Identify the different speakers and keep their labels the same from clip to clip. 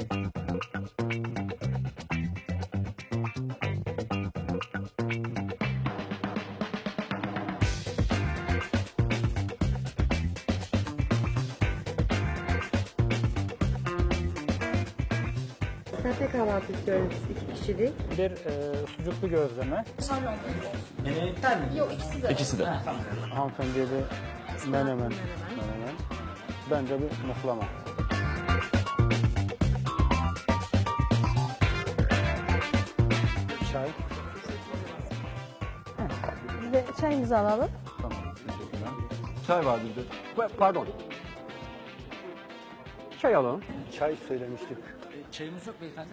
Speaker 1: Sade kahvaltı istiyorum, 2 kişilik.
Speaker 2: Bir sucuklu gözleme.
Speaker 3: Menemen mi?
Speaker 1: Yok, ikisi de.
Speaker 3: İkisi de.
Speaker 2: Hanımefendiye bir menemen. Menemen. Bence bir muhlama. Çay.
Speaker 4: Bir de çayımızı alalım.
Speaker 2: Tamam. Teşekkürler.
Speaker 3: Çay vardı bir de.
Speaker 2: Pardon. Çay alalım. Çay söylemiştik.
Speaker 3: Çayımız yok beyefendi.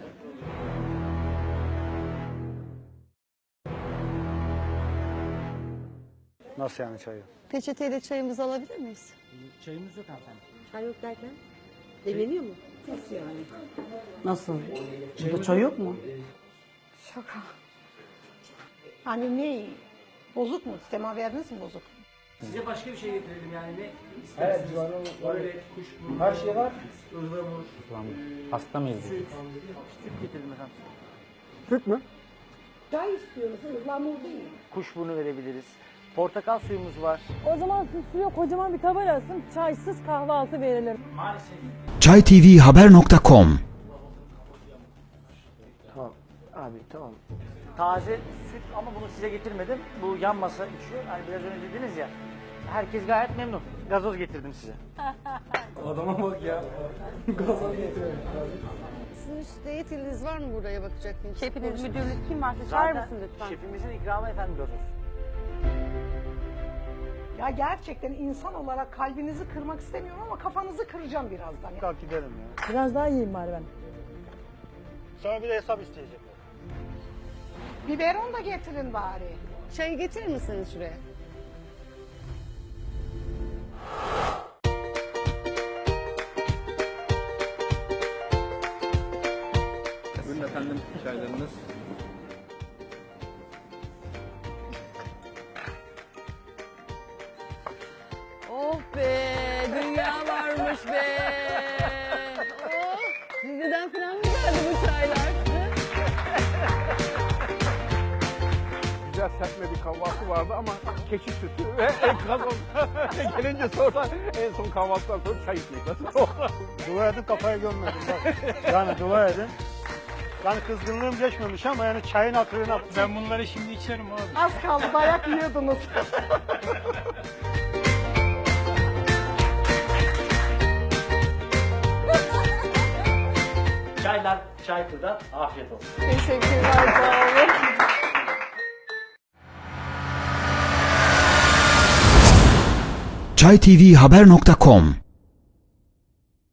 Speaker 2: Nasıl yani çayı?
Speaker 4: Peçeteyle çayımızı alabilir miyiz?
Speaker 3: Çayımız yok hanımefendi.
Speaker 1: Çay yok derken? Demleniyor mu?
Speaker 5: Nasıl? Burada çay yok mu?
Speaker 4: Şaka.
Speaker 5: Hani ne? Bozuk mu? Semaveriniz mi bozuk?
Speaker 3: Size başka bir şey getirelim yani ne istersiniz? Evet, böyle kuşburnu.
Speaker 2: Her şey var.
Speaker 3: Ihlamur.
Speaker 2: Hasta mıyız?
Speaker 3: Süt. Süt getirelim efendim.
Speaker 2: Süt mü?
Speaker 5: Çay istiyoruz, ıhlamur değil.
Speaker 3: Kuşburnu verebiliriz. Portakal suyumuz var.
Speaker 4: O zaman siz suya kocaman bir kaba yazsın. Çaysız kahvaltı verilir.
Speaker 3: Maalesef.
Speaker 6: çaytvhaber.com
Speaker 3: Tamam. Abi tamam. Taze süt ama bunu size getirmedim. Bu yan masa içiyor. Hani biraz önce dediniz ya. Herkes gayet memnun. Gazoz getirdim size. Adama bak ya. Gazoz getirdim.
Speaker 1: Sizin üstte yetkiliniz var mı buraya bakacak?
Speaker 4: Şefiniz, müdürünüz kim varsa çağırır mısın lütfen?
Speaker 3: Şefimizin ikramı efendim gazoz.
Speaker 5: Ya gerçekten insan olarak kalbinizi kırmak istemiyorum ama kafanızı kıracağım birazdan.
Speaker 2: Kalk gidelim ya.
Speaker 4: Biraz daha yiyeyim bari ben.
Speaker 2: Sonra bir de hesap isteyecekler.
Speaker 5: Biberon da getirin bari.
Speaker 1: Çayı getirir misiniz şuraya?
Speaker 7: Buyurun efendim çaylarınız.
Speaker 1: Oh be, dünya varmış be. Oh, diziden falan mı geldi bu çaylar?
Speaker 7: Güzel serpme bir kahvaltı vardı ama keçi sütü ve gazoz. Gelince sonra en son kahvaltıdan sonra çay içmek nasıl oldu?
Speaker 2: Dua edin kafaya gömmedim bak. Yani dua edin. Yani kızgınlığım geçmemiş ama yani çayın hatırına.
Speaker 7: Ben bunları şimdi içerim abi.
Speaker 5: Az kaldı, dayak yiyordunuz.
Speaker 3: Çaylar Çaykur'da afiyet olsun.
Speaker 4: Teşekkürler, sağ olun.
Speaker 6: çaytvhaber.com